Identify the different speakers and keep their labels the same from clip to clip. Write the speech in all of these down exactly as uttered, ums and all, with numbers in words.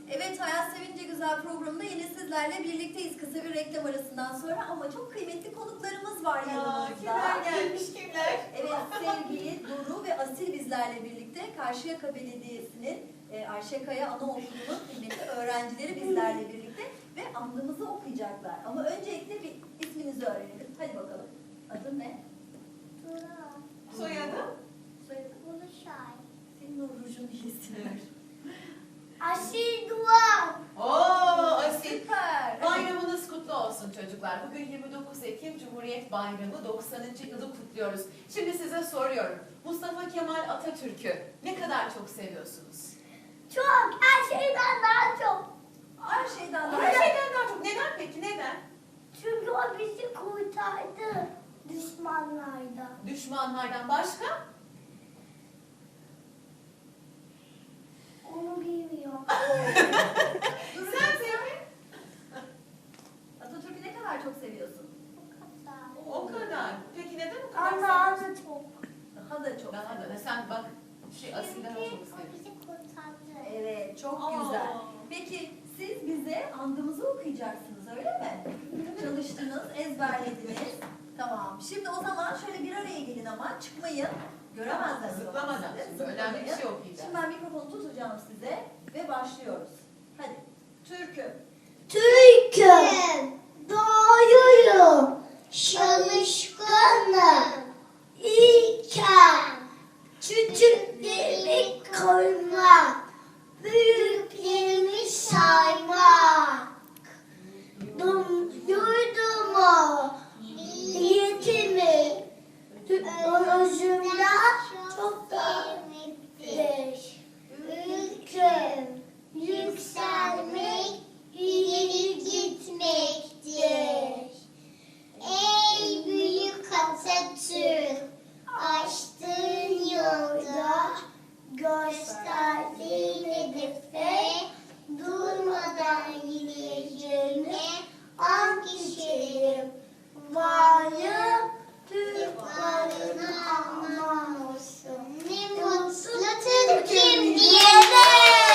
Speaker 1: Evet, Hayat Sevince Güzel programında yine sizlerle birlikteyiz kısa bir reklam arasından sonra ama çok kıymetli konuklarımız var yanımızda.
Speaker 2: Kimler gelmiş kimler?
Speaker 1: Evet, sevgili Duru ve Asil bizlerle birlikte Karşıyaka Belediyesi'nin e, Ayşe Kaya Anaokulu'nun kıymetli öğrencileri bizlerle birlikte ve andımızı okuyacaklar. Ama öncelikle bir isminizi öğrenelim. Hadi bakalım. Adın ne?
Speaker 3: Dura.
Speaker 2: Soyadı?
Speaker 1: Soyadı?
Speaker 3: Buluşay.
Speaker 1: Senin o rujun iyisin.
Speaker 3: Asil Duvar.
Speaker 2: Oo Asil.
Speaker 1: Süper.
Speaker 2: Bayramınız kutlu olsun çocuklar. Bugün yirmi dokuz Ekim Cumhuriyet Bayramı doksanıncı yılı kutluyoruz. Şimdi size soruyorum. Mustafa Kemal Atatürk'ü ne kadar çok seviyorsunuz?
Speaker 3: Çok. Her şeyden daha çok.
Speaker 1: Her şeyden daha
Speaker 2: Her şeyden daha çok. Neden peki? Neden?
Speaker 3: Çünkü o bizi kurtardı düşmanlardan.
Speaker 2: Düşmanlardan başka?
Speaker 3: Onu bilmiyorum.
Speaker 2: Sen peki?
Speaker 1: Atatürk'ü ne kadar çok seviyorsun?
Speaker 2: O kadar. Peki neden o kadar
Speaker 3: Ama
Speaker 2: seviyorsun?
Speaker 3: da çok.
Speaker 1: Daha da çok.
Speaker 2: Daha da. Sen bak. Şey Asil daha çok
Speaker 3: Çünkü o
Speaker 2: seviyor.
Speaker 3: bizi kurtardı.
Speaker 1: Evet, çok
Speaker 2: Aa.
Speaker 1: güzel. Peki siz bize andımızı okuyacaksınız, öyle mi? Çalıştınız, ezberlediniz. Tamam. Şimdi o zaman şöyle bir araya gelin ama çıkmayın. Göremezler. o zaman
Speaker 2: Zıplamadan.
Speaker 1: sizi.
Speaker 2: Şimdi önemli bir şey
Speaker 1: Zıplamayın.
Speaker 2: okuyacağız.
Speaker 1: Şimdi ben mikrofonu tutacağım size ve başlıyoruz. Hadi. Türk'üm.
Speaker 3: Türk'üm, doğruyum, çalışkanım, ilkem, küçüklerimi korumak, büyüklerimi saymak, Dum- yurdumu, niyetimi, özümden çok değerlidir. Ülküm, yükselmek, ileri gitmektir. Ey büyük Atatürk, açtığın yolda, gösterdiğin hedefe durmadan gideceğime an içerim. Varlığım Türk varlığına aman olsun. Ne mutlu Türk'üm diyene.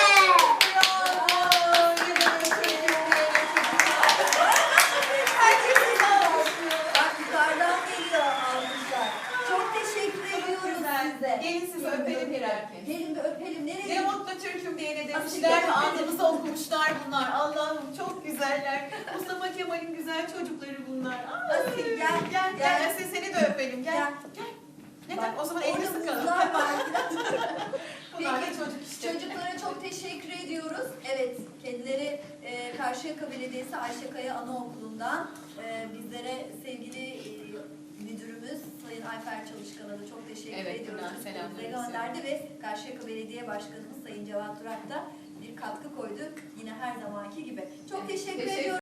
Speaker 1: Bak yukarıdan geliyor almışlar. Çok teşekkür ediyoruz size.
Speaker 2: Gelin sizi öpelim birer kez.
Speaker 1: Gelin bir öpelim. Nereye?
Speaker 2: Ne mutlu Türk'üm diyene
Speaker 1: Asil
Speaker 2: demişler ve
Speaker 1: gel.
Speaker 2: andımızı okumuşlar bunlar. Allah'ım çok güzeller. Mustafa Kemal'in güzel çocukları bunlar. Ay,
Speaker 1: Asil, gel,
Speaker 2: gel.
Speaker 1: gel.
Speaker 2: Gel. Asil seni de öpelim. Gel.
Speaker 1: Gel.
Speaker 2: Gel. Ne
Speaker 1: Bak,
Speaker 2: tak? O zaman elini
Speaker 1: orada
Speaker 2: sıkalım.
Speaker 1: buzlar var.
Speaker 2: Bunlar da
Speaker 1: Peki,
Speaker 2: çocuk işte.
Speaker 1: Çocuklara çok teşekkür ediyoruz. Evet, kendileri e, Karşıyaka Belediyesi Ayşe Kaya Anaokulu'ndan e, bizlere sevgili e, müdürümüz Sayın Ayfer Çalışkan'a da çok teşekkür
Speaker 2: Evet,
Speaker 1: ediyoruz.
Speaker 2: buradan selamlarımızı.
Speaker 1: Bize gönderdi ve Karşıyaka Belediye Başkanımız Sayın Cevat Durak da bir katkı koydu. Yine her zamanki gibi. Çok
Speaker 2: Evet,
Speaker 1: teşekkür
Speaker 2: teşekkür
Speaker 1: ediyoruz.